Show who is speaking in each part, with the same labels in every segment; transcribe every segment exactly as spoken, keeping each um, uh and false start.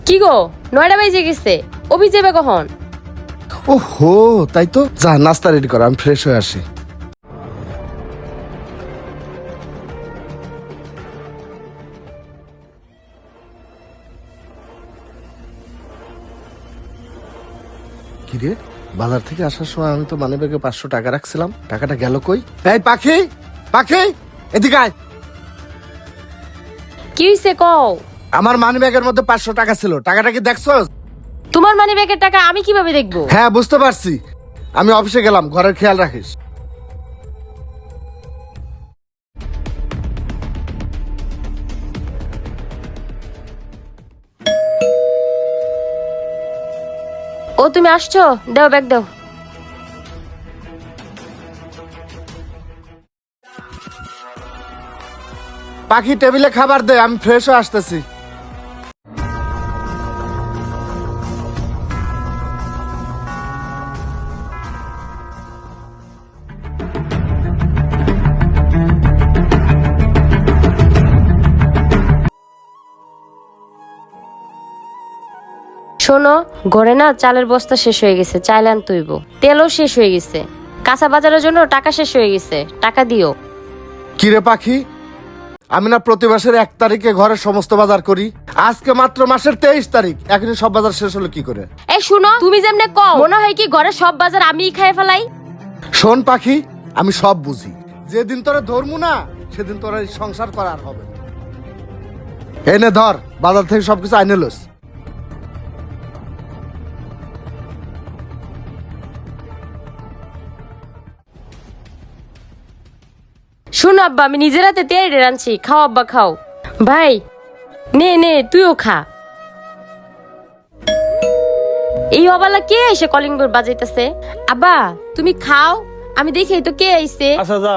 Speaker 1: কি গো নয়টা বেজে গেছে, অভি যাবে কখন?
Speaker 2: ও হো, তাই তো। যা নাস্তা রেডি কর, আমি ফ্রেশ হয়ে আসি। কিরে, বাজার থেকে আসার সময় আমি তো মানি ব্যাগে পাঁচশো টাকা রাখছিলাম, টাকাটা গেল কই? এই পাখি, পাখি এদিকে আয়।
Speaker 1: কি হইছে কও?
Speaker 2: আমার মানি ব্যাগের মধ্যে পাঁচশো টাকা ছিল, টাকাটা কি দেখছো?
Speaker 1: তোমার মানি ব্যাগের টাকা আমি কিভাবে দেখবো?
Speaker 2: হ্যাঁ বুঝতে পারছি, আমি অফিসে গেলাম, ঘরের খেয়াল রাখিস।
Speaker 1: ও তুমি আসছো, দাও ব্যাগ দাও।
Speaker 2: পাখি টেবিলে খাবার দে, আমি ফ্রেশ হয়ে আসতেছি।
Speaker 1: শোনো, ঘরে না চালের বস্তা শেষ হয়ে গেছে, চাইলে আনতে হইব। তেলও শেষ হয়ে গেছে, কাঁচা বাজারের জন্য টাকা শেষ হয়ে গেছে, টাকা দিও।
Speaker 2: কিরে পাখি, আমি না প্রতি মাসের এক তারিখে ঘরের সমস্ত বাজার করি, আজকে মাত্র মাসের তেইশ তারিখ, এখনই সব বাজার শেষ হলো কি করে?
Speaker 1: এই শুনো, তুমি যেমনে কও মনে হয় কি ঘরের সব বাজার আমিই খাই ফেলাই।
Speaker 2: শোন পাখি, আমি সব বুঝি, যেদিন তোরা ধরমু না সেদিন তোরা এই সংসার করার হবে। এনে ধর, বাজার থেকে সবকিছু আইনে লোস।
Speaker 1: শুনো আব্বা, আমি নিজের হাতে তেড়ে রাঁধছি, খাও আব্বা খাও। ভাই নে নে তুইও খা। এই অবালা কে এসে কলিং বেল বাজাইতেছে? আব্বা তুমি খাও, আমি দেখি তো কে আইছে।
Speaker 3: আচ্ছা যা।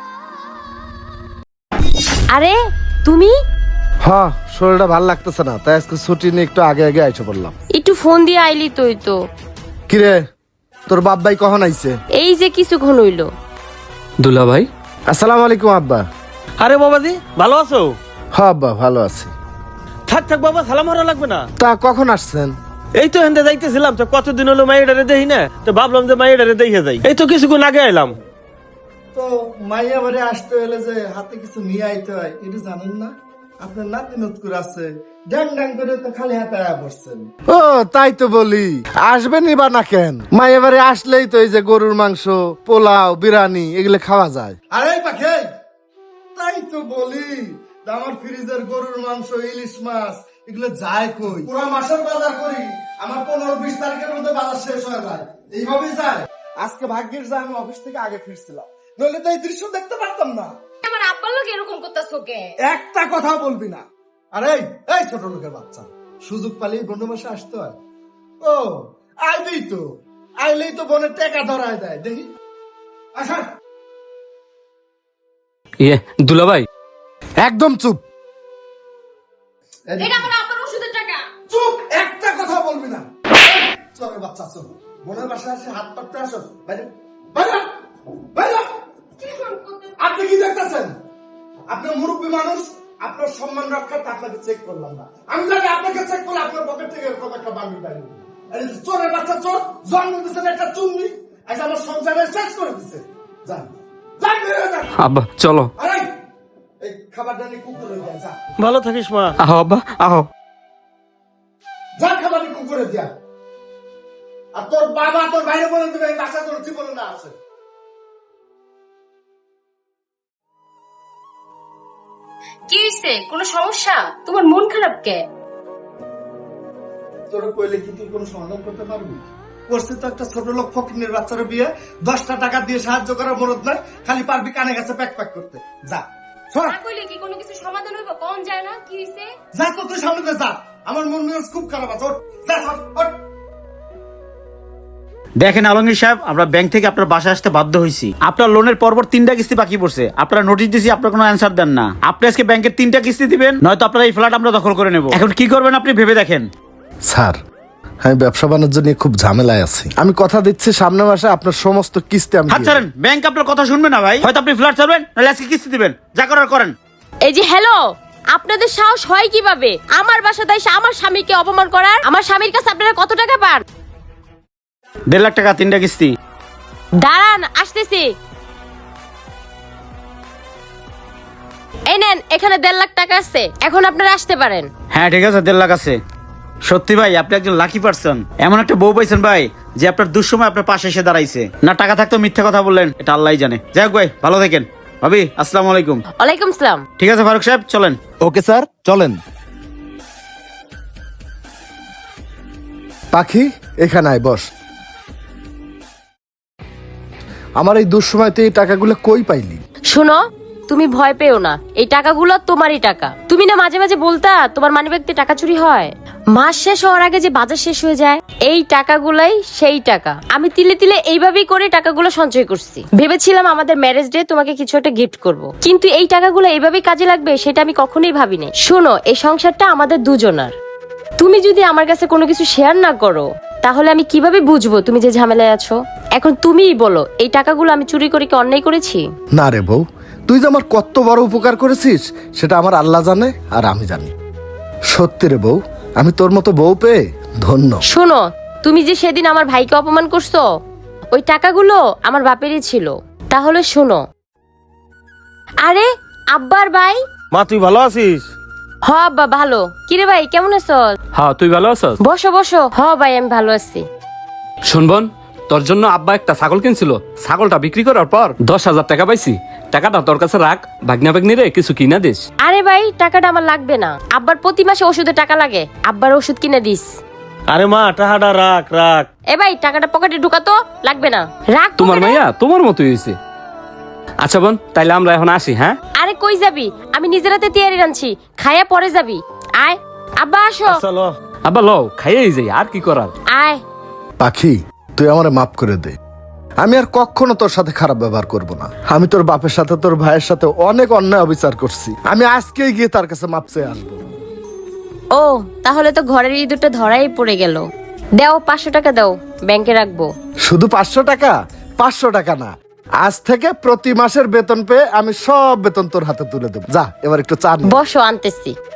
Speaker 1: আরে তুমি?
Speaker 2: হ্যাঁ, শরীরটা ভালো লাগতেছে না, তাই আজকে ছুটি নিয়ে একটু আগে আগে আইসে পড়লাম।
Speaker 1: একটু ফোন দিয়ে আইলি তুই তো।
Speaker 2: কিরে, তোর বাপ ভাই কখন আইছে?
Speaker 1: এই যে কিছুক্ষণ হইলো।
Speaker 3: দুলা ভাই,
Speaker 2: আসসালামু আলাইকুম আব্বা।
Speaker 3: আরে বাবাজি ভালো আছো?
Speaker 2: হ্যাঁ আব্বা ভালো আছি।
Speaker 3: থাক থাক বাবা, সালাম হারা লাগবে না।
Speaker 2: তা কখন আসছেন?
Speaker 3: এই তো হেন্দে যাইতেছিলাম, তো কতদিন হলো মাইয়াডারে দেখি না, তো ভাবলাম যে মাইয়াডারে দেখে যাই। এই তো কিছুক্ষণ আগে এলাম।
Speaker 4: তো মাইয়া বাড়ি আসতে হলে যে হাতে কিছু নিয়ে আইতে হয় এটা জানেন না? আপনার নাতি নতকুর আছে, ড্যাং ড্যাং করে তো খালি হাতে আয়া বসছেন।
Speaker 2: ও তাই তো বলি, আসবেনই বা না কেন? মায়ের বাড়ি আসলেই তো এই যে গরুর মাংস, পোলাও, বিরিয়ানি এগুলো খাওয়া যায়।
Speaker 4: আরে পাখে, তাই তো বলি, আমার ফ্রিজের গরুর মাংস, ইলিশ মাছ এগুলো যায় কই? পুরো মাসের বাজার করি, আমার পনেরো বিশ তারিখের মধ্যে বাজার শেষ হয়ে যায়, এইভাবেই যায়। আজকে ভাগ্যের যা আমি অফিস থেকে আগে ফিরছিলাম, নইলে তো এই দৃশ্য দেখতে পারতাম না।
Speaker 1: আমার আব্বার লোক এরকম করতেছো কে?
Speaker 4: একটা কথা বলবি না। আরে এই ছোট লোকের বাচ্চা, সুযোগ পালিয়ে বন্ধু মাসে আসতে হয়। ও আইলেই তো আইলেই তো বোনের টাকা ধরায় দেয়, দেখি আসা।
Speaker 3: ইয়ে দুলা ভাই,
Speaker 2: একদম চুপ।
Speaker 1: এটা আমার আব্বার ওষুধের টাকা।
Speaker 4: চুপ, একটা কথা বলবি না। চলে বাচ্চা, চল বোনের বাসায় আসে হাত পাততে আসো। বাইরে বাইরে বাইরে। আপনি কি দেখতেছেন? আপনি মুরব্বী মানুষ, আপনার সম্মান রক্ষার্থে আপনাকে চেক করলাম না। আমি জানি আপনাকে চেক করলে আপনার পকেট থেকে এরকম একটা বান্ডিল বাইরে। আরে চোরের বাচ্চা চোর, জন্ম দিচ্ছেন একটা চুন্নি, আজ আমার সংসারে শেষ করে দিচ্ছে। যান যান বেরো যান।
Speaker 3: আব্বা চলো।
Speaker 4: আরে এই খাবারটা নিয়ে কুকুরে দেয়া যা।
Speaker 3: ভালো থাকিস মা। আহো আব্বা আহো।
Speaker 4: যা খাবার কুকুরে দিয়া। আর তোর বাবা তোর বাইরে বলে দিবে এই বাসা তোর জীবনে না আছে।
Speaker 1: কি হইছে? কোনো সমস্যা? তোমার মন খারাপ কে?
Speaker 4: তোর কইলে কি তুই কোনো সমাধান করতে পারবি? করছিস তো একটা ছোট লোক ফকিনের বাচ্চার বিয়ে, দশটা টাকা দিয়ে সাহায্য করার মরদ নাই, খালি পারবি কানে কাছে প্যাক প্যাক করতে। যা সর।
Speaker 1: না কইলে কি কোনো কিছু সমাধান হইব? কোন যায় না? কি হইছে?
Speaker 4: যা তো তুই সামনে দিয়ে যা, আমার মন মেজাজ খুব খারাপ আছে। ওঠ, যা সর, ওঠ।
Speaker 5: দেখেন আলমগীর সাহেব, আমরা ব্যাংক থেকে আপনার বাসায় আসতে বাধ্য হয়েছি। আপনার লোনের পরপর তিনটা কিস্তি বাকি পড়ছে, আপনারা নোটিশ দিয়েছি, আপনার কোনো অ্যান্সার দেন না। আপনি আজকে ব্যাংকের তিনটা কিস্তি দিবেন, নয়তো আপনার এই ফ্ল্যাট আমরা দখল করে নেব। এখন কি করবেন আপনি ভেবে দেখেন।
Speaker 2: স্যার, আমি ব্যবসা বাণিজ্য নিয়ে খুব ঝামেলায় আছি, আমি কথা দিচ্ছি সামনের মাসে আপনার সমস্ত কিস্তি আমি
Speaker 5: হাত
Speaker 2: দিয়ে
Speaker 5: ছাড়েন, ব্যাংক আপনার কথা শুনবে না ভাই। হয়তো আপনি ফ্ল্যাট ছাড়বেন, নাহলে আজকে কিস্তি দিবেন, যা করার করেন।
Speaker 1: এই যে হ্যালো, আপনাদের সাহস হয় কিভাবে আমার বাসায় এসে আমার স্বামীকে অপমান করার? আমার স্বামীর কাছে আপনারা কত টাকা পান?
Speaker 5: দেড় লাখ টাকা তিনটা কিস্তি।
Speaker 1: দাঁড়ান, আসতেছি। এই নেন, এখানে দেড় লাখ টাকা আছে, এখন আপনারা আসতে পারেন।
Speaker 5: হ্যাঁ ঠিক আছে, দেড় লাখ আছে। সত্যি ভাই আপনি একজন লাকি পারসন, এমন একটা বউ পাইছেন ভাই যে আপনার দুঃসময় আপনার পাশে এসে দাঁড়াইছে। না টাকা থাকতো মিথ্যা কথা বললেন, এটা আল্লাহই জানে। যাই হোক ভাই, ভালো থাকেন। ভাবি আসসালামু আলাইকুম।
Speaker 1: ওয়ালাইকুম সালাম।
Speaker 5: ঠিক আছে ফারুক সাহেব, চলেন।
Speaker 6: ওকে স্যার, চলেন।
Speaker 2: পাখি এখানে আয়, বস। আমার এই দুঃসময়তে এই টাকাগুলো কই পাইলি?
Speaker 1: শোনো, তুমি ভয় পেও না, এই টাকাগুলো তোমারই টাকা। তুমি না মাঝে মাঝে বলতা তোমার মানিব্যাগে টাকা চুরি হয়, মাস শেষ হওয়ার আগে যে বাজার শেষ হয়ে যায়, এই টাকাগুলাই সেই টাকা। আমি তিলে তিলে এইভাবেই করে টাকাগুলো সঞ্চয় করছি। ভেবেছিলাম আমাদের ম্যারেজ ডে তোমাকে কিছু একটা গিফট করব, কিন্তু এই টাকাগুলো এইভাবেই কাজে লাগবে সেটা আমি কখনোই ভাবিনি। শোনো, এই সংসারটা আমাদের দুজনার। তুমি যদি আমার কাছে কোনো কিছু শেয়ার না করো তাহলে আমি কিভাবে বুঝবো তুমি যে ঝামেলায় আছো? এখন তুমিই বলো, এই টাকাগুলো আমি চুরি করে কি অন্যায় করেছি?
Speaker 2: না রে বউ, তুই যে আমার কত বড় উপকার করেছিস সেটা আমার আল্লাহ জানে আর আমি জানি। সত্যি রে বউ, আমি তোর মতো বউ পেয়ে ধন্য।
Speaker 1: শোনো, তুমি যে সেদিন আমার ভাইকে অপমান করছো, ওই টাকাগুলো আমার বাপেরই ছিল। তাহলে শোনো। আরে আব্বার ভাই।
Speaker 3: মা তুই ভালো আছিস?
Speaker 1: হ আব্বা ভালো। কিরে ভাই কেমন আছো?
Speaker 7: হ্যাঁ তুই ভালো আছিস?
Speaker 1: বসো বসো। হ ভাই আমি ভালো আছি।
Speaker 7: শুনবন, তোর জন্য আব্বা একটা ছাগল কিনছিল। ছাগলটা বিক্রি করার পর দশ হাজার টাকা পাইছি। টাকাটা তোর কাছে রাখ, ভাগনা ভাগ্নি রে কিছু কিনা দিস।
Speaker 1: আরে ভাই টাকাটা আমার লাগবে না, আব্বার প্রতি মাসে ওষুধে টাকা লাগে, আব্বার ওষুধ কিনে দিস।
Speaker 3: আরে মা টাকাটা রাখ রাখ।
Speaker 1: এ ভাই টাকাটা পকেটে ঢুকাতো, লাগবে না, রাখ
Speaker 7: তোমার
Speaker 1: পকেটে।
Speaker 7: মাইয়া তোমার মতোই হয়েছে। আচ্ছা বোন, তাইলে আমরা এখন আসি। হ্যাঁ
Speaker 1: আরে কই যাবি? আমি নিজের হাতে তৈরি রাঁধছি, খাইয়া পরে যাবি। আয় আব্বা আসো।
Speaker 3: চলো
Speaker 7: আব্বা লও, খাইয়েই যাই, আর কি করার।
Speaker 1: আয়।
Speaker 2: পাখি তুই আমারে মাফ করে দে, আমি আর কখনো তোর সাথে খারাপ ব্যবহার করব না। আমি তোর বাপের সাথে তোর ভাইয়ের সাথে অনেক অন্যায় অবিচার করছি, আমি আজকেই গিয়ে তার কাছে মাপ চেয়ে আসবো।
Speaker 1: ও তাহলে তো ঘরের ইঁদুরটা ধরাই পড়ে গেল। দাও পাঁচশো টাকা দাও, ব্যাংকে রাখবো।
Speaker 2: শুধু পাঁচশো টাকা? পাঁচশো টাকা না, আজ থেকে প্রতি মাসের বেতন পেয়ে আমি সব বেতন তোর হাতে তুলে দেবো। যা এবার একটু চা নে।
Speaker 1: বসো, আনতেছি।